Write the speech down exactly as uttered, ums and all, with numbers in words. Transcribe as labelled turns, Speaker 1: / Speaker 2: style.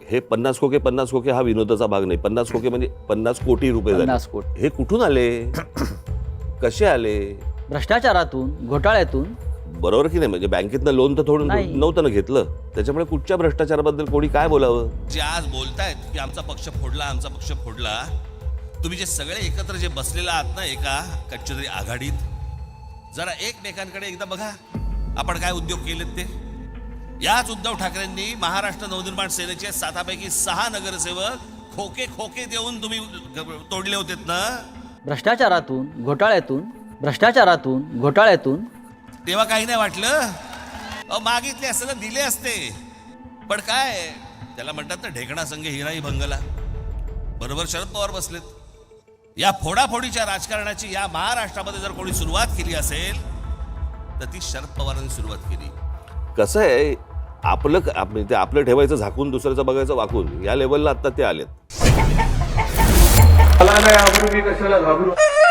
Speaker 1: हे पन्नास खोके पन्नास खोके हा विनोदाचा भाग नाही. पन्नास खोके म्हणजे पन्नास कोटी रुपये झाले.
Speaker 2: पन्नास कोटी
Speaker 1: हे कुठून आले, कसे आले?
Speaker 2: भ्रष्टाचारातून, घोटाळ्यातून.
Speaker 1: बरोबर की नाही? म्हणजे बँकेतनं लोन तर थोडं
Speaker 2: नाही.
Speaker 1: नव्हतं ना घेतलं, त्याच्यामुळे कुठच्या भ्रष्टाचाराबद्दल कोणी काय बोलावं?
Speaker 3: जे आज बोलतायत की आमचा पक्ष फोडला आमचा पक्ष फोडला, तुम्ही जे सगळे एकत्र जे बसलेला आहात ना एका कच्च्या तरी आघाडीत, जरा एकमेकांकडे एकदा बघा आपण काय उद्योग केलेत ते. याच उद्धव ठाकरेंनी महाराष्ट्र नवनिर्माण सेनेचे सातापैकी सहा नगरसेवक खोके खोके देऊन तुम्ही तोडले होतेत ना.
Speaker 2: भ्रष्टाचारातून, घोटाळ्यातून, भ्ष्टाचारातून, घोटाळ्यातून.
Speaker 3: तेव्हा काही नाही वाटलं. अहो मागितले असते ना दिले असते, पण काय त्याला म्हणतात ना ढेकणा संघ हिराई भंगला. बरोबर शरद पवार बसलेत. या फोडाफोडीच्या राजकारणाची या महाराष्ट्रामध्ये जर कोणी सुरुवात केली असेल तर ती शरद पवारांनी सुरुवात केली.
Speaker 1: कसं आहे, आपलं आप- ते आपलं ठेवायचं झाकून दुसऱ्याचं बघायचं वाकून, या लेवलला आता ते आलेत.
Speaker 4: मला नाही आवडू, मी कशाला घाबरू.